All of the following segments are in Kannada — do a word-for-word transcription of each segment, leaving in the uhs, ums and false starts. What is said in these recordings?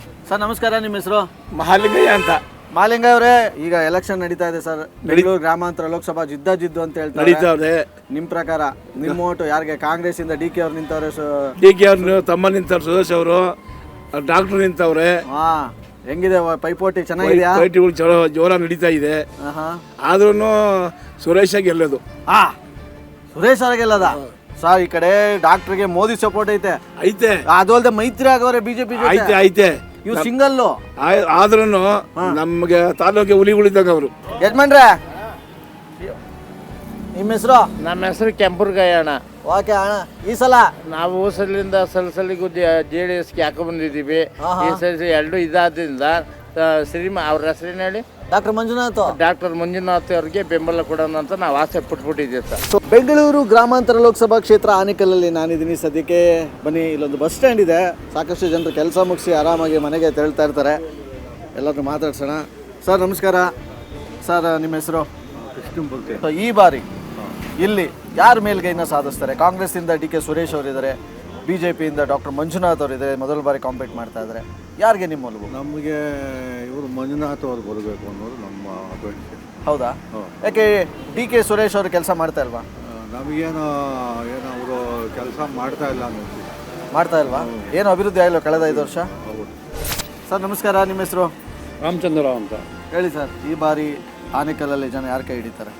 ಸರ್ ನಮಸ್ಕಾರ, ನಿಮ್ಮ ಹೆಸರು? ಮಹಾಲಿಂಗಯ್ಯ ಅಂತ. ಮಹಾಲಿಂಗಯ್ಯ ಅವರೇ, ಈಗ ಎಲೆಕ್ಷನ್ ನಡೀತಾ ಇದೆ ಸರ್, ಬೆಂಗಳೂರು ಗ್ರಾಮಾಂತರ ಲೋಕಸಭಾ ಜಿದ್ದ ಜಿದ್ದು ಅಂತ ಹೇಳ್ತಾರೆ. ನಿಮ್ಮ ಪ್ರಕಾರ ನಿಮ್ಮ ಓಟು ಯಾರಿಗೆ? ಕಾಂಗ್ರೆಸ್ ಇಂದ ಡಿ ಕೆ ಅವ್ರು ನಿಂತವ್ರೆ, ಡಿ ಕೆ ಅವ್ರು ತಮ್ಮ ನಿಂತವ್ರು, ಸುರೇಶ್ ಅವರು, ಡಾಕ್ಟರ್ ನಿಂತವ್ರೆ. ಹಾ, ಹೆಂಗಿದೆ ಪೈಪೋಟಿ? ಚೆನ್ನಾಗಿದೆಯಾ? ಪೈಪೋಟಿಗಳು ಚಲೋ ಜೋರ ನಡೀತಾ ಇದೆ. ಆದ್ರೂ ಸುರೇಶ ಗೆಲ್ಲೋದು. ಹಾ, ಸುರೇಶ್ ಅವ್ರ ಗೆಲ್ಲದ ಸರ್. ಈ ಕಡೆ ಡಾಕ್ಟರ್ಗೆ ಮೋದಿ ಸಪೋರ್ಟ್ ಐತೆ ಐತೆ, ಅದು ಅಲ್ಲದೆ ಮೈತ್ರಿ ಆಗವ್ರೆ ಬಿಜೆಪಿ ಐತೆ ಐತೆ ಇವ್ ಸಿಂಗಲ್. ಆದ್ರೂ ನಮ್ಗೆ ತಾಲೂಕಿಗೆ ಹುಲಿ ಉಳಿದಾಗ ಅವರು. ಯಜಮಾನ್ರೆ, ನಿಮ್ಮ ಹೆಸರು? ನಮ್ಮ ಹೆಸರು ಕೆಂಪುರ್ಗಯ್ಯ ಅಣ್ಣ. ಓಕೆ ಅಣ್ಣ, ಈ ಸಲ ನಾವು ಸಲಿಂದ ಸಲಸಲಿಗೂ ಜೆ ಡಿ ಎಸ್ಗೆ ಹಾಕೊ ಬಂದಿದ್ದೀವಿ. ಈ ಸಲ ಎರಡು ಇದಾದ್ರಿಂದ ಶ್ರೀಮ ಅವ್ರ ಹೆಸರೇನು ಹೇಳಿ? ಡಾಕ್ಟರ್ ಮಂಜುನಾಥ್. ಡಾಕ್ಟರ್ ಮಂಜುನಾಥ್ ಅವ್ರಿಗೆ ಬೆಂಬಲ ಕೊಡೋಣ ಅಂತ ನಾವು ಆಸೆ ಪಟ್ಬಿಟ್ಟಿದ್ದೀವಿ ಸರ್. ಸೊ ಬೆಂಗಳೂರು ಗ್ರಾಮಾಂತರ ಲೋಕಸಭಾ ಕ್ಷೇತ್ರ ಆನೇಕಲ್ಲಲ್ಲಿ ನಾನಿದ್ದೀನಿ ಸದ್ಯಕ್ಕೆ. ಬನ್ನಿ, ಇಲ್ಲೊಂದು ಬಸ್ ಸ್ಟ್ಯಾಂಡ್ ಇದೆ. ಸಾಕಷ್ಟು ಜನರು ಕೆಲಸ ಮುಗಿಸಿ ಆರಾಮಾಗಿ ಮನೆಗೆ ತೆರಳ್ತಾ ಇರ್ತಾರೆ. ಎಲ್ಲರೂ ಮಾತಾಡ್ಸೋಣ. ಸರ್ ನಮಸ್ಕಾರ. ಸರ್ ನಿಮ್ಮ ಹೆಸರು? ಸೊ ಈ ಬಾರಿ ಇಲ್ಲಿ ಯಾರ ಮೇಲ್ಗೈನ ಸಾಧಿಸ್ತಾರೆ? ಕಾಂಗ್ರೆಸ್ಸಿಂದ ಡಿ ಕೆ ಸುರೇಶ್ ಅವರಿದ್ದಾರೆ, ಬಿ ಜೆ ಪಿಯಿಂದ ಡಾಕ್ಟರ್ ಮಂಜುನಾಥ್ ಅವರಿದ್ದಾರೆ. ಮೊದಲ ಬಾರಿ ಕಾಂಪೀಟ್ ಮಾಡ್ತಾ ಇದ್ದಾರೆ. ಯಾರಿಗೆ ನಿಮ್ಮ ಒಲವು? ನಮಗೆ ಇವರು ಮಂಜುನಾಥ್ ಅವರು ಬರಬೇಕು ಅನ್ನೋದು ನಮ್ಮ ಅಪೇಕ್ಷೆ. ಹೌದಾ? ಯಾಕೆ ಡಿ ಕೆ ಸುರೇಶ್ ಅವರು ಕೆಲಸ ಮಾಡ್ತಾ ಇಲ್ವಾ? ನಮಗೇನು ಏನು ಅವರು ಕೆಲಸ ಮಾಡ್ತಾ ಇಲ್ಲ ಅನ್ನೋದು. ಮಾಡ್ತಾ ಇಲ್ವಾ? ಏನು ಅಭಿವೃದ್ಧಿ ಆಗಿಲ್ಲ ಕಳೆದ ಐದು ವರ್ಷ? ಹೌದು. ಸರ್ ನಮಸ್ಕಾರ, ನಿಮ್ಮ ಹೆಸರು? ರಾಮಚಂದ್ರ ಅಂತ ಹೇಳಿ ಸರ್, ಈ ಬಾರಿ ಆನೇಕಲ್ಲಲ್ಲಿ ಜನ ಯಾರು ಕೈ ಹಿಡಿತಾರೆ?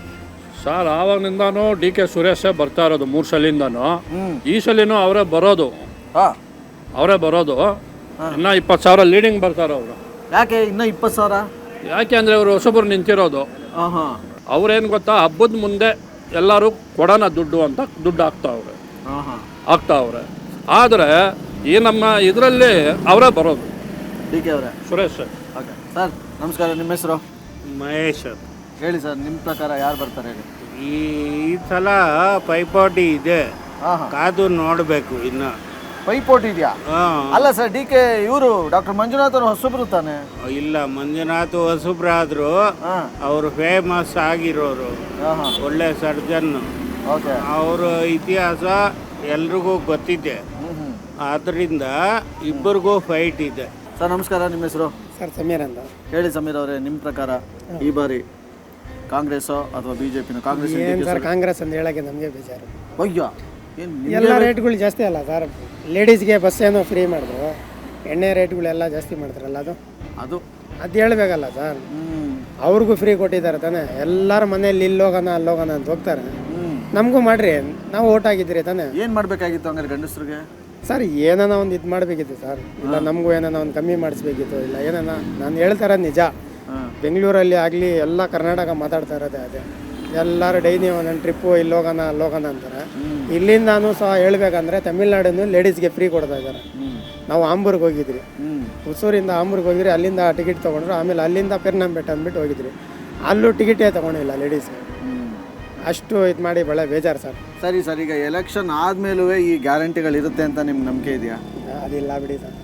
ಸರ್ ಆವಾಗಿನಿಂದಾನು ಡಿ ಕೆ ಸುರೇಶೇ ಬರ್ತಾ ಇರೋದು, ಮೂರು ಸಲಿಂದಾನು. ಹ್ಮ್. ಈ ಸಲಿನೂ ಅವರೇ ಬರೋದು. ಹಾ, ಅವರೇ ಬರೋದು. ಇನ್ನ ಇಪ್ಪತ್ತು ಸಾವಿರ ಲೀಡಿಂಗ್ ಬರ್ತಾರೆ ಅವರು. ಯಾಕೆ ಇನ್ನ ಇಪ್ಪತ್ತು ಸಾವಿರ? ಯಾಕೆ ಅಂದರೆ ಅವರು ಹೊಸಬರು ನಿಂತಿರೋದು. ಹಾಂ ಹಾಂ. ಅವ್ರೇನು ಗೊತ್ತಾ, ಹಬ್ಬದ ಮುಂದೆ ಎಲ್ಲರೂ ಕೊಡೋಣ ದುಡ್ಡು ಅಂತ ದುಡ್ಡು ಹಾಕ್ತಾವ್ರೆ ಹಾಂ ಹಾಂ ಹಾಕ್ತಾವ್ರೆ ಆದರೆ ಈ ನಮ್ಮ ಇದರಲ್ಲಿ ಅವರೇ ಬರೋದು, ಡಿ ಕೆ ಅವರೇ, ಸುರೇಶ್. ಓಕೆ ಸರ್ ನಮಸ್ಕಾರ, ನಿಮ್ಮ ಹೆಸರು? ಮಹೇಶ್. ಹೇಳಿ ಸರ್, ನಿಮ್ಮ ಪ್ರಕಾರ ಯಾರು ಬರ್ತಾರೆ ಹೇಳಿ? ಈ ಸಲ ಪೈಪೋಟಿ ಇದೆ, ಹಾಂ ಹಾಂ. ಕಾದು ನೋಡಬೇಕು ಇನ್ನು. ಪೈಪೋಟಿ ಇದೆಯಾ? ಅಲ್ಲ ಸರ್, ಡಿ ಕೆ ಇವರು ಡಾಕ್ಟರ್ ಮಂಜುನಾಥ್ ಅವರು ಹೊಸಬ್ರು ತಾನೆ? ಇಲ್ಲ, ಮಂಜುನಾಥ್ ಹೊಸಬ್ರಾದ್ರು, ಹಾಂ ಅವರು ಫೇಮಸ್ ಆಗಿರೋರು, ಹಾಂ ಹಾಂ. ಒಳ್ಳೆ ಸರ್ಜನ್. ಓಕೆ. ಅವರ ಇತಿಹಾಸ ಎಲ್ರಿಗೂ ಗೊತ್ತಿದೆ. ಹ್ಞೂ ಹ್ಞೂ. ಆದ್ದರಿಂದ ಇಬ್ಬರಿಗೂ ಫೈಟ್ ಇದೆ. ಸರ್ ನಮಸ್ಕಾರ, ನಿಮ್ಮ ಹೆಸರು? ಸರ್ ಸಮೀರ್ ಅಂತ. ಹೇಳಿ ಸಮೀರ್ ಅವರೇ, ನಿಮ್ಮ ಪ್ರಕಾರ ಈ ಬಾರಿ ಕಾಂಗ್ರೆಸ್ಸೋ ಅಥವಾ ಬಿ ಜೆ ಪಿನೋ? ಕಾಂಗ್ರೆಸ್ ಏನು ಸರ್, ಕಾಂಗ್ರೆಸ್ ಅಂತ ಹೇಳೋಕ್ಕೆ ನಮಗೆ ಬೇಜಾರು. ಅಯ್ಯೋ, ಏನು ಎಲ್ಲ ರೇಟ್ಗಳು ಜಾಸ್ತಿ ಅಲ್ಲ ಸರ್. ಲೇಡೀಸ್ಗೆ ಬಸ್ ಏನೋ ಫ್ರೀ ಮಾಡಿದ್ರು, ಎಣ್ಣೆ ರೇಟ್ಗಳೆಲ್ಲ ಜಾಸ್ತಿ ಮಾಡ್ತಾರಲ್ಲ, ಅದು ಅದು ಅದು ಹೇಳ್ಬೇಕಲ್ಲ ಸರ್. ಹ್ಞೂ ಅವ್ರಿಗೂ ಫ್ರೀ ಕೊಟ್ಟಿದ್ದಾರೆ ತಾನೆ. ಎಲ್ಲರ ಮನೇಲಿ ಇಲ್ಲಿ ಹೋಗೋಣ ಅಲ್ಲಿ ಹೋಗೋಣ ಅಂತ ಹೋಗ್ತಾರೆ. ಹ್ಞೂ. ನಮಗೂ ಮಾಡ್ರಿ, ನಾವು ಓಟ್ ಆಗಿದ್ದೀರಿ ತಾನೆ. ಏನು ಮಾಡಬೇಕಾಗಿತ್ತು ಹಂಗಾರೆ ಗಂಡಸರಿಗೆ? ಸರ್ ಏನಾನ ಒಂದು ಇದು ಮಾಡಬೇಕಿತ್ತು ಸರ್. ಇಲ್ಲ ನಮಗೂ ಏನಾನ ಒಂದು ಕಮ್ಮಿ ಮಾಡಿಸ್ಬೇಕಿತ್ತು. ಇಲ್ಲ ಏನಾನ ನಾನು ಹೇಳ್ತಾರ ನಿಜ. ಬೆಂಗಳೂರಲ್ಲಿ ಆಗಲಿ ಎಲ್ಲ ಕರ್ನಾಟಕ ಮಾತಾಡ್ತಾ ಇರೋದೇ ಅದೇ. ಎಲ್ಲರೂ ಡೈಲಿ ಒಂದೊಂದು ಟ್ರಿಪ್ಪು ಇಲ್ಲಿ ಹೋಗೋಣ ಅಲ್ಲಿ ಹೋಗೋಣ ಅಂತಾರೆ. ಇಲ್ಲಿಂದಾನು ಸಹ ಹೇಳ್ಬೇಕಂದ್ರೆ ತಮಿಳ್ನಾಡನ್ನು ಲೇಡೀಸ್ಗೆ ಫ್ರೀ ಕೊಡ್ತಾ ಇದ್ದಾರೆ. ನಾವು ಆಂಬೂರ್ಗೆ ಹೋಗಿದ್ರಿ, ಹೊಸೂರಿಂದ ಆಂಬೂರ್ಗೆ ಹೋಗಿದ್ರಿ, ಅಲ್ಲಿಂದ ಟಿಕೆಟ್ ತೊಗೊಂಡ್ರು. ಆಮೇಲೆ ಅಲ್ಲಿಂದ ಪೆರ್ನಂಬೆಟ್ಟ ಅಂದ್ಬಿಟ್ಟು ಹೋಗಿದ್ರಿ, ಅಲ್ಲೂ ಟಿಕೆಟೇ ತೊಗೊಂಡಿಲ್ಲ ಲೇಡೀಸ್ಗೆ. ಅಷ್ಟು ಇದು ಮಾಡಿ ಭಾಳ ಬೇಜಾರು ಸರ್. ಸರಿ ಸರ್, ಈಗ ಎಲೆಕ್ಷನ್ ಆದಮೇಲೂ ಈ ಗ್ಯಾರಂಟಿಗಳಿರುತ್ತೆ ಅಂತ ನಿಮ್ಗೆ ನಂಬಿಕೆ ಇದೆಯಾ? ಅದಿಲ್ಲ ಬಿಡಿ ಸರ್.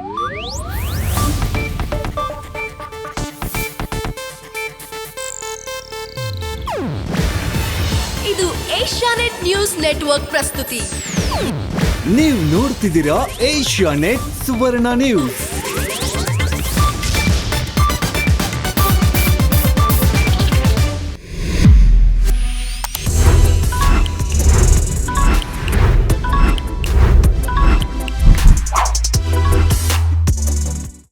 ಇದು ಏಷ್ಯಾನೆಟ್ ನ್ಯೂಸ್ ನೆಟ್ವರ್ಕ್ ಪ್ರಸ್ತುತಿ. ನೀವು ನೋಡ್ತಿದ್ದೀರಾ ಏಷ್ಯಾನೆಟ್ ಸುವರ್ಣ ನ್ಯೂಸ್.